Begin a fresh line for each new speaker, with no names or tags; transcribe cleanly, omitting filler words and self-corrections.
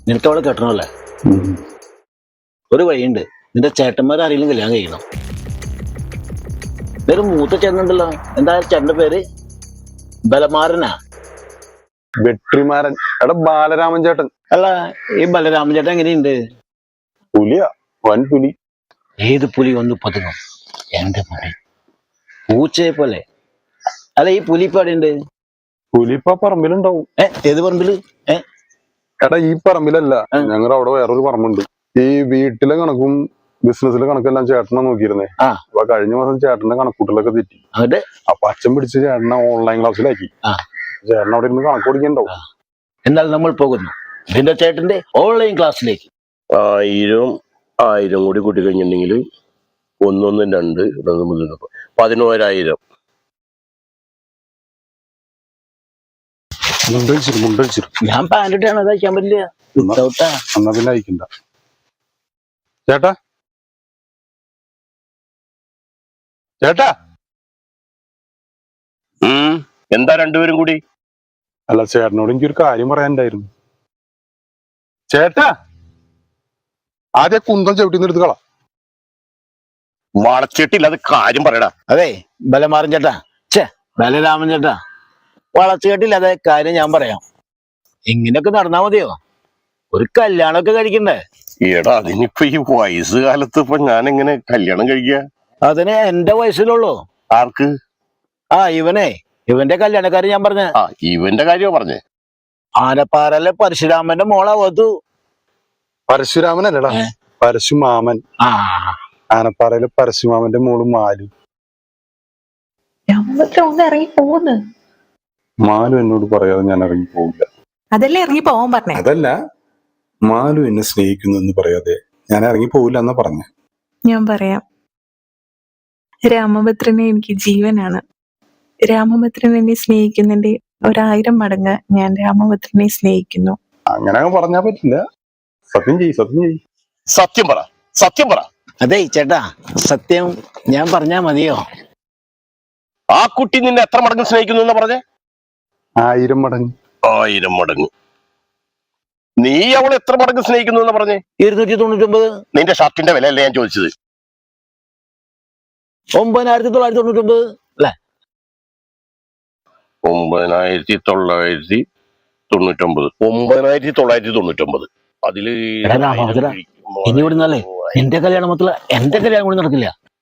നിനക്ക് അവളെ കെട്ടണമല്ലേ? ഒരു വഴിയുണ്ട്, നിന്റെ ചേട്ടന്മാരാരെങ്കിലും കല്യാണം കഴിക്കണം. ഒരു മൂത്ത ചേട്ടനുണ്ടല്ലോ, എന്താ ചേട്ടന്റെ പേര്? ബലമാരനാ?
വെട്രിമാരൻ. എടാ ബാലരാമൻ ചേട്ടൻ.
അല്ല, ഈ ബലരാമൻ ചേട്ടൻ എങ്ങനെയുണ്ട്?
പുലിയാ, വൻ പുലി.
ഏത് പുലി ഒന്ന് പതുങ്ങും? എന്റെ പുലി പൂച്ചയെ പോലെ. അല്ല, ഈ പുലി ഇപ്പൊ എവിടെയുണ്ട്?
പുലി ഇപ്പൊ പറമ്പിലുണ്ടാവും.
ഏത് പറമ്പില്?
എടാ ഈ പറമ്പിലല്ല, ഞങ്ങളുടെ അവിടെ വേറൊരു പറമ്പുണ്ട്. ഈ വീട്ടിലെ കണക്കും ബിസിനസ്സിലെ കണക്കെല്ലാം ചേട്ടനെ നോക്കിയിരുന്നേ. അപ്പൊ കഴിഞ്ഞ മാസം ചേട്ടന്റെ കണക്കൂട്ടലൊക്കെ തെറ്റി. അപ്പൊ അച്ഛൻ പിടിച്ച് ചേട്ടനെ ഓൺലൈൻ ക്ലാസ്സിലാക്കി. ചേട്ടൻ അവിടെ ഇരുന്ന് കണക്ക് പഠിക്കണ്ടാവും.
എന്നാൽ നമ്മൾ പോകുന്നു നിന്റെ ചേട്ടന്റെ ഓൺലൈൻ ക്ലാസ്സിലേക്ക്.
1000 കൂടി കൂട്ടി കഴിഞ്ഞിട്ടുണ്ടെങ്കിൽ 1 1 2 11,000.
ഞാൻ പാൻറ് ഇട്ടാണ്, അത് അയക്കാൻ പറ്റില്ല.
എന്നാ പിന്നെ അയക്കണ്ട. ചേട്ടാ ചേട്ടാ
എന്താ രണ്ടുപേരും കൂടി?
അല്ല, ചേട്ടനോട് എനിക്കൊരു കാര്യം പറയാനുണ്ടായിരുന്നു. ചേട്ടാ ആദ്യം കുന്തം ചവിട്ടിന്ന് എടുത്ത് കളാ.
വളച്ചിട്ടില്ല, അത് കാര്യം പറയടാ.
അതെ ബലമാരൻ ചേട്ടാ, ബലരാമൻ ചേട്ടാ, വളച്ചു കേട്ടില്ല. അതെ കാര്യം ഞാൻ പറയാം. ഇങ്ങനെയൊക്കെ നടന്നാ മതിയോ? ഒരു കല്യാണമൊക്കെ കഴിക്കണ്ടേ?
എടാ അതിനിപ്പോ ഈ വയസ്സുകാലത്ത് ഇപ്പൊ ഞാൻ എങ്ങനെ കല്യാണം കഴിക്കുക?
അതിന് എന്റെ വയസ്സിലുള്ളൂ.
ആർക്ക്?
ഇവന്റെ കല്യാണക്കാര് ഞാൻ പറഞ്ഞ.
ഇവന്റെ കാര്യമാ പറഞ്ഞേ?
ആനപ്പാറയിലെ പരശുരാമന്റെ മോളാ വധു.
പരശുരാമനല്ലടാ, പരശുമാമൻ. ആനപ്പാറയിലെ പരശുമാമന്റെ മോള് മാലു.
ഇറങ്ങി പോകുന്നു.
മാലു എന്നോട് പറയാതെ ഞാൻ ഇറങ്ങി പോകില്ല.
അതല്ലേ ഇറങ്ങി പോവാൻ പറഞ്ഞേ?
അതല്ല, മാലു എന്നെ സ്നേഹിക്കുന്നു എന്ന് പറയാതെ ഞാൻ ഇറങ്ങി പോകില്ല എന്നാ പറഞ്ഞേ.
ഞാൻ പറയാം. രാമഭദ്രനെ എനിക്ക് ജീവനാണ്. രാമഭദ്രൻ എന്നെ സ്നേഹിക്കുന്നതിന്റെ 1000 മടങ്ങ് ഞാൻ രാമഭദ്രനെ സ്നേഹിക്കുന്നു.
അങ്ങനെ പറഞ്ഞാ പറ്റില്ല. സത്യം ചെയ്യ്, സത്യം ചെയ്യ്.
സത്യം പറ, സത്യം പറ.
അതെ ചേട്ടാ, സത്യം ഞാൻ പറഞ്ഞാ മതിയോ?
ആ കുട്ടി നിന്നെ എത്ര മടങ്ങ് സ്നേഹിക്കുന്നു എന്ന് പറഞ്ഞേ?
1000 മടങ്ങ്.
1000 മടങ്ങ്. നീ അവളെ എത്ര മടങ്ങ് സ്നേഹിക്കുന്നു എന്ന് പറഞ്ഞേ?
299.
നിന്റെ ഷർട്ടിന്റെ വില അല്ലേ ഞാൻ ചോദിച്ചത്?
9999 അല്ലെ?
9999. 9999. അതില്
ഇനി ഇവിടെ നിന്നല്ലേ എന്റെ കല്യാണം മൊത്തം എന്റെ കല്യാണം കൂടി നടക്കില്ല.